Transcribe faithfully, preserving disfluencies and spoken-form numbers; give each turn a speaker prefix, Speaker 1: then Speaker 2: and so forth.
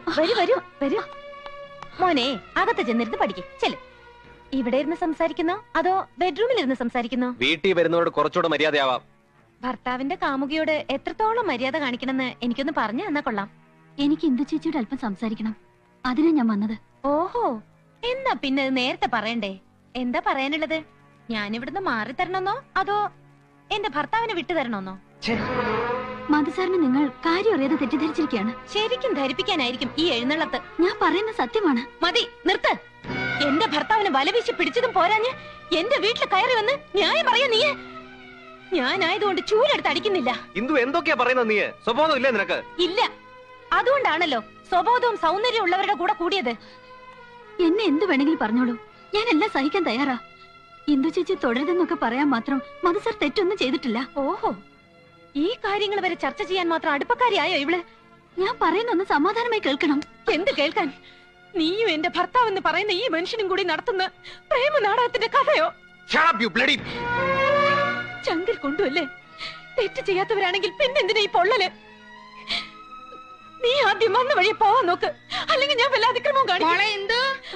Speaker 1: വരൂ വരൂ വരൂ. മോനെ അകത്ത് ചെന്നിരുന്ന് പഠിക്കും. ചെല്. ഇവിടെ ഇരുന്ന് സംസാരിക്കുന്നോ അതോ ബെഡ്റൂമിൽ ഇരുന്ന് സംസാരിക്കുന്നോ?
Speaker 2: വീട്ടിൽ വരുന്നവരോട് കുറച്ചുകൂടെ മര്യാദയാവാം.
Speaker 1: ഭർത്താവിന്റെ കാമുകിയോട് എത്രത്തോളം മര്യാദ കാണിക്കണമെന്ന് എനിക്കൊന്ന് പറഞ്ഞു തന്നാ കൊള്ളാം.
Speaker 3: എനിക്ക് ഇന്ദു ചേച്ചിയോട് അല്പം സംസാരിക്കണം. അതിനാ ഞാൻ വന്നത്.
Speaker 1: ഓഹോ, എന്നാ പിന്നെ നേരത്തെ പറയണ്ടേ? എന്താ പറയാനുള്ളത്? ഞാനിവിടുന്ന് മാറി തരണമെന്നോ അതോ എന്റെ ഭർത്താവിനെ വിട്ടു തരണമെന്നോ?
Speaker 3: മധുസാറിന് നിങ്ങൾ കാര്യം അറിയാതെ തെറ്റിദ്ധരിച്ചിരിക്കുകയാണ്.
Speaker 1: ശരിക്കും ധരിപ്പിക്കാനായിരിക്കും ഈ എഴുന്നള്ളത്ത്.
Speaker 3: ഞാൻ പറയുന്ന സത്യമാണ്.
Speaker 1: മതി, നിർത്ത്. എന്റെ ഭർത്താവിനെ വലവീശി പിടിച്ചതും പോരാഞ്ഞ് എന്റെ വീട്ടിൽ കയറി വന്ന് ന്യായം പറയാ നീ. ഞാനായതുകൊണ്ട് ചൂലെടുത്ത് അടിക്കുന്നില്ല.
Speaker 2: ഇന്ദു എന്തൊക്കെയാ പറയുന്നത്? നീ സ്വഭാവം ഇല്ലേ നിനക്ക്?
Speaker 1: ഇല്ല, അതുകൊണ്ടാണല്ലോ സ്വബോധവും സൗന്ദര്യവും ഉള്ളവരുടെ കൂടെ കൂടിയത്.
Speaker 3: എന്നെ എന്ത് വേണമെങ്കിലും പറഞ്ഞോളൂ, ഞാൻ എല്ലാം സഹിക്കാൻ തയ്യാറാ. ഇന്ദു ചേച്ചി തുടരുതെന്നൊക്കെ പറയാൻ മാത്രം മധുസാർ തെറ്റൊന്നും ചെയ്തിട്ടില്ല.
Speaker 1: ഓഹോ, ഈ കാര്യങ്ങൾ വരെ ചർച്ച ചെയ്യാൻ മാത്രം അടുപ്പക്കാരിയായോ ഇവള്?
Speaker 3: ഞാൻ പറയുന്നൊന്ന് സമാധാനമായി കേൾക്കണം.
Speaker 1: എന്ത് കേൾക്കാൻ? നീയും എന്റെ ഭർത്താവ് എന്ന് പറയുന്ന ഈ മനുഷ്യനും കൂടി നടത്തുന്ന പ്രേമ നാടകത്തിന്റെ കഥയോ? ചങ്കിൽ കൊണ്ടുവല്ലേ? തെറ്റ് ചെയ്യാത്തവരാണെങ്കിൽ പിന്നെന്തിനാ ഈ പൊള്ളല്? നീ ആദ്യം വന്ന വഴി പോവാൻ നോക്ക്, അല്ലെങ്കിൽ ഞാൻ വല്ല അതിക്രമവും കാണിക്കും.